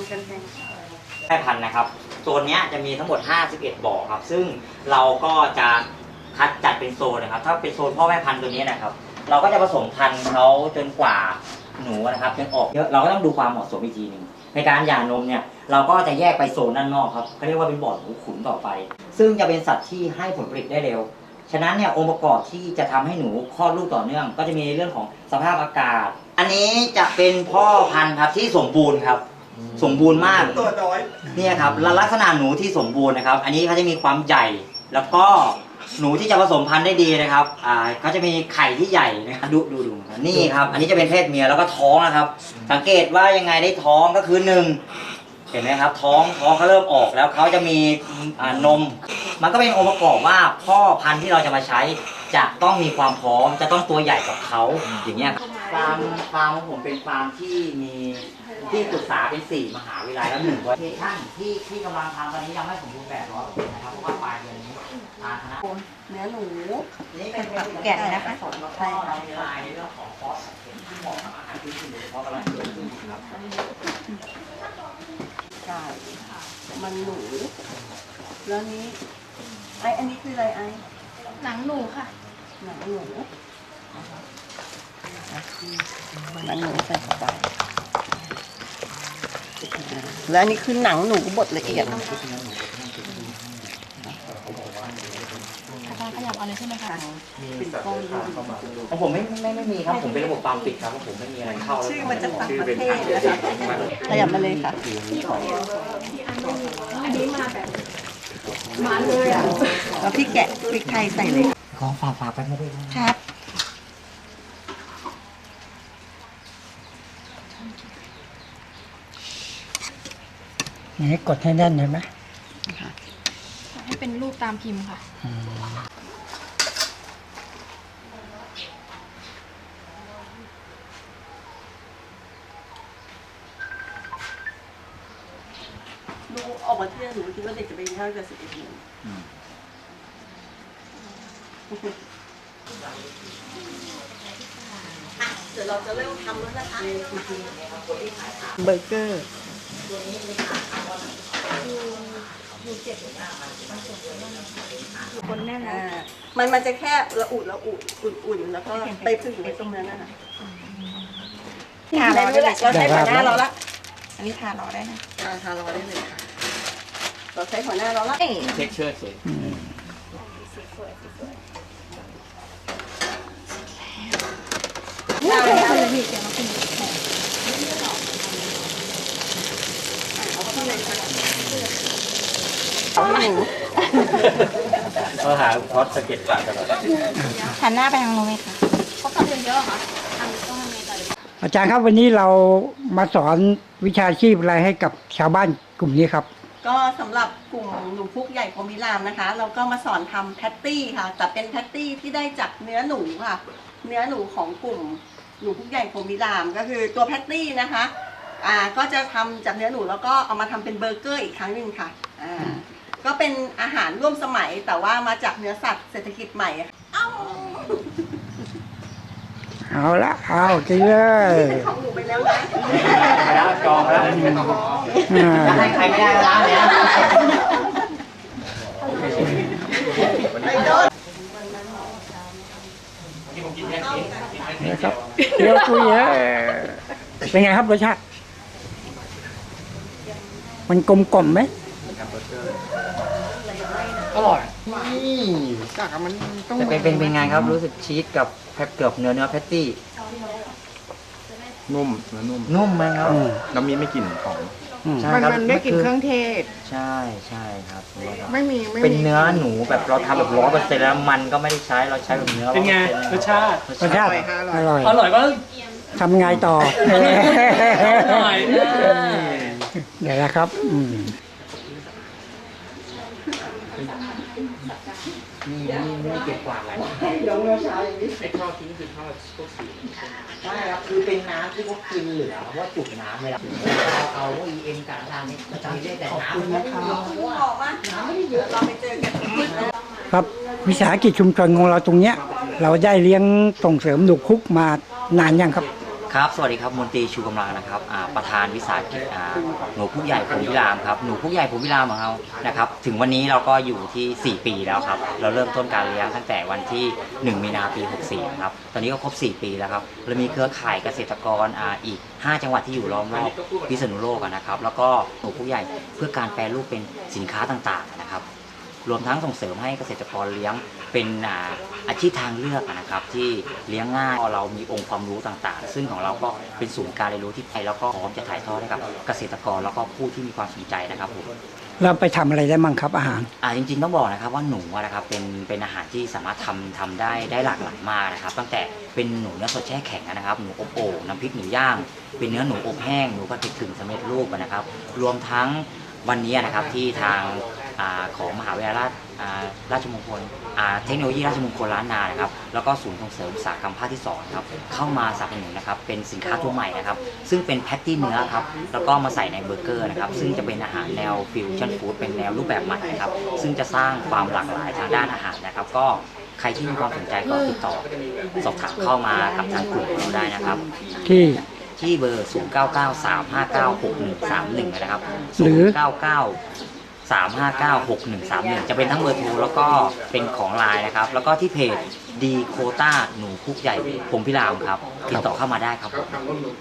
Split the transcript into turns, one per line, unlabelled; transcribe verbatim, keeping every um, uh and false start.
กันแทง
แม่พันธุ์นะครับโซนนี้จะมีทั้งหมดห้าสิบเอ็ดบ่อครับซึ่งเราก็จะคัดจัดเป็นโซนนะครับถ้าเป็นโซนพ่อแม่พันธุ์ตัวนี้นะครับเราก็จะผสมพันธุ์เขาจนกว่าหนูนะครับจนออกเยอะเราก็ต้องดูความเหมาะสมอีกทีหนึ่งในการหย่านมเนี่ยเราก็จะแยกไปโซนด้านนอกครับเขาเรียกว่าเป็นบ่อหนูขุนต่อไปซึ่งจะเป็นสัตว์ที่ให้ผลผลิตได้เร็วฉะนั้นเนี่ยองค์ประกอบที่จะทำให้หนูคลอดลูกต่อเนื่องก็จะมีเรื่องของสภาพอากาศอันนี้จะเป็นพ่อพันธุ์ครับที่สมบูรณ์ครับสมบูรณ์มากตัวน้อยเนี่ยครับลักษณะหนูที่สมบูรณ์นะครับอันนี้เขาจะมีความใหญ่แล้วก็หนูที่จะผสมพันธุ์ได้ดีนะครับอ่าเขาจะมีไข่ที่ใหญ่นะครับดูดูดูนี่ครับอันนี้จะเป็นเพศเมียแล้วก็ท้องนะครับสังเกตว่ายังไงได้ท้องก็คือหนึ่งเห็นไหมครับท้องท้องเขาเริ่มออกแล้วเขาจะมีอ่านมมันก็เป็นองค์ประกอบว่าพ่อพันธุ์ที่เราจะมาใช้จะต้องมีความพร้อมจะต้องตัวใหญ่กว่าเขาอย่างเงี้ยฟาร์มฟาร์มของผมเป็นฟาร์มที่มีที่ปรึกษาเป็นสี่มหาวิทยาลัยแล้วหนึ่งโลเคชั่นที่ที่กำลังทำตอนนี้ยังไม่สมบูรณ์แบบร้อยเปอร์เซ็นต์นะครับเพราะว่าปลายเดือนนี้ทางคณะ
เนื้อหนู
นี่เป็นแบบแกะนะคะสอนแล้วก็เรามีลายในเรื่องของคอสที่เหมาะกับอาหารที่คุณโดยเฉพาะกำลังเกิดขึ้นครับ
ใช่มันหนูแล้วนี้ไออันนี้คืออะไรไอ
หนังหนูค่ะ
หนังหนูหนังหนูใส่เข้าไปแล้วอันนี้คือหนังหนูบดละเอียด
อาจารย์ขยับเอาเลยใช่ไหมคะ
เป็นก้อน
ของผมไม่ไม่ไม่มีครับผมเป็นระบบปามปิดครับผมไม่มีอะไรเข้า
ชื่อมันจะต่างประเทศขยับมาเลยค่ะอันนี้มาแบบมาเลยอ่ะแล้วพี่แกะพริกไทยใส่เลย
ของฝากฝากไปไม่ได้
ครับ
นี่กดให้แน่นเห็นไหม
ให้เป็นรูปตามพิมพ์ค่ะ
ดูออกมาเที่ยวหนูคิดว่าเด็กจะไปเที่ยวกันสิบเอ็ดโมงเดี๋ยวเราจะเริ่มทำแล้วนะคะเบอร์เกอร์
คนแน่นนะ
มันมันจะแค่ละอุละอุอุ่นๆแล้วก็ไปพึ่งไว้ตรงนั้นนะคะทารอได้เลยเราใช้หัวหน้าเราละ
อันนี้ทารอได้นะ
ทารอได้เลยค่ะเราใช้หัวหน้าเราละ
เช็คเชื่อสิ
ได้เลยพี่เดี๋ยวมากิน
เขาหาพอดสเก็ตปากตลอด
หันหน้าไปทางโน้นไหมคะเขาทำเยอะๆค่ะทำต้องทำยังไงต่อ
อาจารย์ครับวันนี้เรามาสอนวิชาชีพอะไรให้กับชาวบ้านกลุ่มนี้ครับ
ก็สำหรับกลุ่มหนูพุกใหญ่พรหมิรามนะคะ เราก็มาสอนทำแพตตี้ค่ะแต่เป็นแพตตี้ที่ได้จากเนื้อหนูค่ะเนื้อหนูของกลุ่มหนูพุกใหญ่พรหมิรามก็คือตัวแพตตี้นะคะอ่าก็จะทำจากเนื้อหนูแล้วก็เอามาทำเป็นเบอร์เกอร์อีกครั้งหนึ่งค่ะอ่าก็เป็นอาหารร่วมสมัยแต่ว่ามาจากเนื้อสัตว์เศรษฐกิจใหม่เอ้า
เอาละเอากินเลย
นี่เป็นของหนูไปแล้วนะ
ไปแล้วจองแล้วจะให้ใครไม่ได้แล้วเนี่ย
นะครับเดี๋ยวคุยเฮ้เป็นไงครับรสชาติมันกลมกล่อมไหม
อร่อย
นี่กากมันต้อง
แต่เป็นเป็นเป็นไงครับรู้สึกชีสกับแพบเกือบเนื้อเนื้อแพตตี้
นุ่มเนื้อนุ่ม
นุ่มไหมครับ
น้ำมีไม่กลิ่นของ
มันมันได้กลิ่นเครื่องเทศ
ใช่ใช่ครับ
ไม่มี
เป็นเนื้อหนูแบบเราทำแบบร้อยเปอร์เซ็นต์แล้วมันก็ไม่ได้ใช้เราใช้แบบเนื้อ
เป็นไงรสชาติรสชาติอร่อย
อร่อยก็
ทำไงต่ออร่อยเดี๋ยวนะครับอืม
นี่นี่ไม่เก็บกวาดอะไร
เดี๋ยวเมื่อเช้าอย่างนี้
ไอ้ข้าวทิ้งคือข้าวพวกสีใช่ครับคือเป็นน้ำที่พวกกินเหลือเพราะว่าจุกน้ำเวลาเราเอาพวกอีเอ็มกับทางนี้จะมีได้แต่น้ำนะครับ
บอกว่าน้ำไม่ได้เยอะเราไปเจอกัน
ครับวิสาหกิจชุมชนของเราตรงเนี้ยเราได้เลี้ยงส่งเสริมหนูพุกมานานยังครับ
ครับ สวัสดีครับ มนตรีชูกำลังนะครับอ่าประธานวิสาหกิจอ่าหนูพุกใหญ่ผมพิรามครับ หนูพุกใหญ่ผมพิรามของเรานะครับ ถึงวันนี้เราก็อยู่ที่ สี่ ปีแล้วครับ เราเริ่มต้นการเลี้ยงตั้งแต่วันที่ หนึ่ง มีนาปี หกสี่ ครับ ตอนนี้ก็ครบ สี่ ปีแล้วครับ เรามีเครือข่ายเกษตรกรอ่าอีก ห้า จังหวัดที่อยู่ล้อมรอบพิษณุโลกอะนะครับ แล้วก็หนูพุกใหญ่เพื่อการแปรรูปเป็นสินค้าต่างๆนะครับ รวมทั้งส่งเสริมให้เกษตรกรเลี้ยงเป็นอ่าอาชีพทางเลือกนะครับที่เลี้ยงง่ายเรามีองค์ความรู้ต่างๆ ซึ่งของเราก็เป็นศูนย์การเรียนรู้ที่ไทยแล้วก็พร้อมจะถ่ายทอดให้กับเกษตรกรแล้วก็ผู้ที่มีความสนใจนะครับผม
เราไปทำอะไรได้มั่งครับอาหาร
อ่าจริงๆต้องบอกนะครับว่าหนูอะนะครับเป็นเป็นอาหารที่สามารถทำทำได้ได้หลากหลายมากนะครับ ตั้งแต่เป็นหนูเนื้อสดแช่แข็งนะครับหนูอบโอ่งน้ำพริกหนูย่าง เป็นเนื้อหนูอบแห้งหนูผัดเผ็ดกึ่งสำเร็จรูปอะนะครับ รวมทั้งวันนี้นะครับที่ทางอาของมหาวิทยาลัยราชอ่าราชมงคลอ่าเทคโนโลยีราชมงคลล้านนานะครับแล้วก็ศูนย์ส่งเสริมอุตสาหกรรมภาคที่สองครับเข้ามาสนับสนุนนะครับเป็นสินค้าตัวใหม่นะครับซึ่งเป็นแพตตี้เนื้อครับแล้วก็มาใส่ในเบอร์เกอร์นะครับซึ่งจะเป็นอาหารแนวฟิวชั่นฟู้ดเป็นแนวรูปแบบใหม่นะครับซึ่งจะสร้างความหลากหลายทางด้านอาหารนะครับก็ใครที่มีความสนใจก็ติดต่อสอบถามเข้ามากับทางกลุ่มของเราได้นะครับ
ที่
ที่เบอร์ ศูนย์ เก้า เก้า สาม ห้า เก้า หก หนึ่ง สาม หนึ่ง นะครับ
หรือ
ศูนย์ เก้า เก้า สาม ห้า เก้า หก หนึ่ง สาม หนึ่ง จะเป็นทั้งเบอร์โทรแล้วก็เป็นของไลน์นะครับ แล้วก็ที่เพจดีโคต้าหนูพุกใหญ่ผมพิรามครับ ติดต่อเข้ามาได้ครับผม